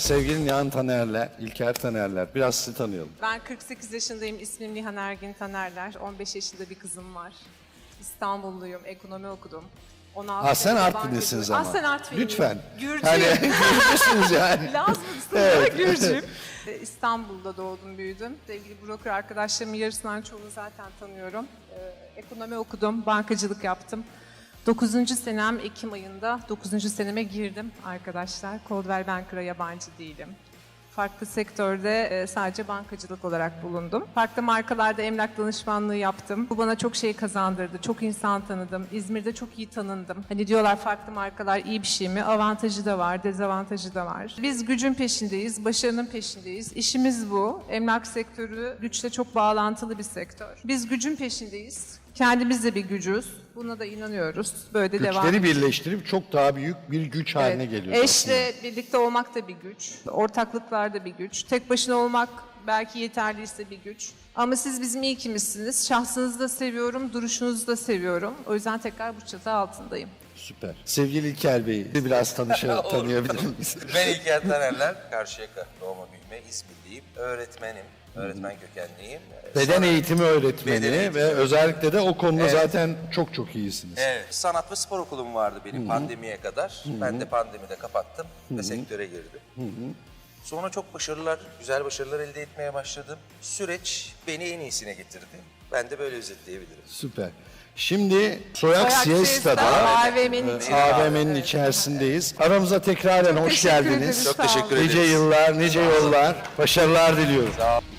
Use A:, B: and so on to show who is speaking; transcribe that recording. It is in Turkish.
A: sevgili Nihan Tanerler, İlker Tanerler. Biraz sizi tanıyalım.
B: Ben 48 yaşındayım. İsmim Nihan Ergin Tanerler. 15 yaşında bir kızım var. İstanbulluyum. Ekonomi okudum. 16
A: Sen
B: senede
A: Artvinlisiniz ama.
B: Aslen Artvinliyim.
A: Lütfen.
B: Gürcüyüm.
A: Hani Gürcüsünüz yani.
B: Lazımsın Gürcüyüm. İstanbul'da doğdum, büyüdüm. Sevgili broker arkadaşlarımın yarısından çoğunu zaten tanıyorum. Ekonomi okudum, bankacılık yaptım. 9. senem Ekim ayında 9. seneme girdim arkadaşlar. Coldwell Banker'a yabancı değilim. Farklı sektörde sadece bankacılık olarak bulundum. Farklı markalarda emlak danışmanlığı yaptım. Bu bana çok şey kazandırdı. Çok insan tanıdım. İzmir'de çok iyi tanındım. Hani diyorlar farklı markalar iyi bir şey mi? Avantajı da var, dezavantajı da var. Biz gücün peşindeyiz, başarının peşindeyiz. İşimiz bu. Emlak sektörü güçle çok bağlantılı bir sektör. Biz gücün peşindeyiz. Kendimiz de bir gücüz. Buna da inanıyoruz. Böyle de devam
A: Güçleri
B: ediyoruz.
A: birleştirip çok daha büyük bir güç haline geliyor.
B: Eşle birlikte olmak da bir güç. Ortaklıklar da bir güç. Tek başına olmak belki yeterliyse bir güç. Ama siz bizim iyi kimizsiniz. Şahsınızı da seviyorum, duruşunuzu da seviyorum. O yüzden tekrar bu çatı altındayım.
A: Süper. Sevgili İlker Bey'i biraz tanıyabilir miyiz?
C: Ben İlker Tanerler, Karşıyaka doğma büyüme İzmirliyim. Öğretmenim, öğretmen kökenliyim.
A: Beden eğitimi öğretmeni
C: Beden eğitimi
A: ve özellikle de o konuda zaten çok iyisiniz.
C: Evet, sanat ve spor okulum vardı benim pandemiye kadar. Ben de pandemide kapattım ve sektöre girdim. Sonra çok güzel başarılar elde etmeye başladım. Süreç beni en iyisine getirdi. Ben de böyle özetleyebilirim.
A: Süper. Şimdi Soyak Siesta'da AVM'nin içerisindeyiz. Aramıza tekraren hoş
B: Teşekkür
A: geldiniz.
B: ederiz.
C: Çok
B: Sağ olun.
C: teşekkür ederiz.
A: Nice yıllar, nice yollar, başarılar diliyorum.
C: Sağ olun.